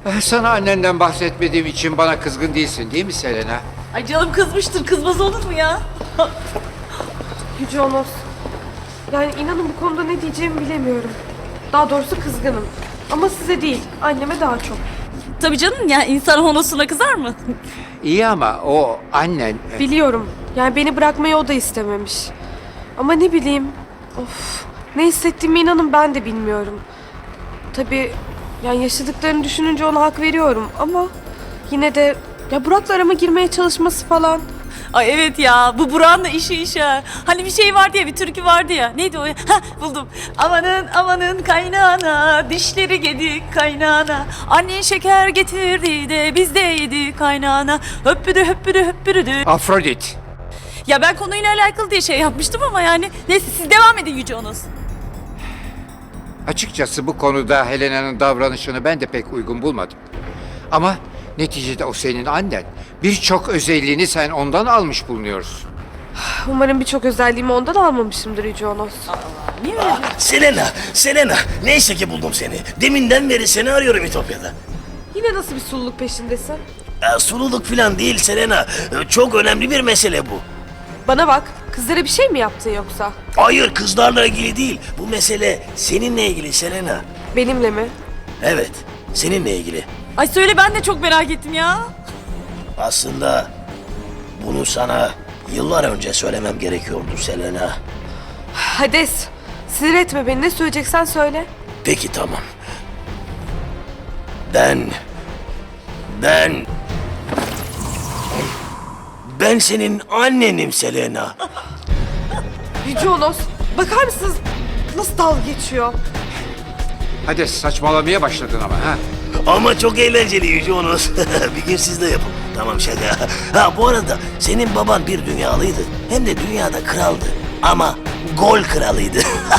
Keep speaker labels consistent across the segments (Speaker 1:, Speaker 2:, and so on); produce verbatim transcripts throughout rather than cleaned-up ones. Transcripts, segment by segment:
Speaker 1: Sana annenden bahsetmediğim için bana kızgın değilsin değil mi Selena?
Speaker 2: Ay canım kızmıştır. Kızmaz olur mu ya?
Speaker 3: Yüce Onos. Yani inanın bu konuda ne diyeceğimi bilemiyorum. Daha doğrusu kızgınım. Ama size değil, anneme daha çok.
Speaker 2: Tabii canım ya, insan honosuna kızar mı?
Speaker 1: İyi ama o annen...
Speaker 3: Biliyorum. Yani beni bırakmayı o da istememiş. Ama ne bileyim. Of. Ne hissettiğimi inanın ben de bilmiyorum. Tabii yani yaşadıklarını düşününce ona hak veriyorum ama yine de ya Burak'la arama girmeye çalışması falan.
Speaker 2: Ay evet ya, bu Burak'ın da işi iş ha. Hani bir şey vardı ya, bir türkü vardı ya. Neydi o ya? Hah, buldum. Amanın amanın kaynana, dişleri gedik kaynana. Annen şeker getirdi de biz de yedik kaynana. Höppüdü höppüdü höppüdü.
Speaker 1: Afrodit.
Speaker 2: Ya ben konuyla alakalı diye şey yapmıştım ama yani. Neyse siz devam edin Yüce Onos.
Speaker 1: Açıkçası bu konuda Helena'nın davranışını ben de pek uygun bulmadım. Ama neticede o senin annen. Birçok özelliğini sen ondan almış bulunuyorsun.
Speaker 3: Umarım birçok özelliğimi ondan almamışımdır Yüce Onos.
Speaker 2: Niye öyle?
Speaker 4: Ah, Selena, Selena. Neyse ki buldum seni. Deminden beri seni arıyorum İtopya'da.
Speaker 3: Yine nasıl bir sululuk peşindesin?
Speaker 4: Ee, sululuk falan değil Selena. Ee, çok önemli bir mesele bu.
Speaker 3: Bana bak, kızlara bir şey mi yaptın yoksa?
Speaker 4: Hayır, kızlarla ilgili değil. Bu mesele seninle ilgili Selena.
Speaker 3: Benimle mi?
Speaker 4: Evet, seninle ilgili.
Speaker 2: Ay söyle, ben de çok merak ettim ya.
Speaker 4: Aslında bunu sana yıllar önce söylemem gerekiyordu Selena.
Speaker 3: Hades, sinir etme beni. Ne söyleyeceksen söyle.
Speaker 4: Peki tamam. Ben... Ben... Ben senin annenim Selena.
Speaker 3: Yüce Onos, bakar mısınız nasıl dalga geçiyor?
Speaker 1: Hadi saçmalamaya başladın ama ha.
Speaker 4: Ama çok eğlenceli Yüce Onos. Bir gün siz de yapın. Tamam şaka. Ha bu arada senin baban bir dünyalıydı. Hem de dünyada kraldı. Ama gol kralıydı.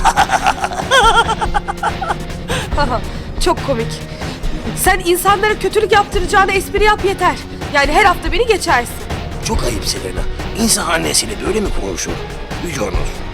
Speaker 3: Haha, çok komik. Sen insanlara kötülük yaptıracağına espri yap yeter. Yani her hafta beni geçersin.
Speaker 4: Çok ayıp Selena. İnsan annesiyle böyle mi konuşur? Yüce Onos.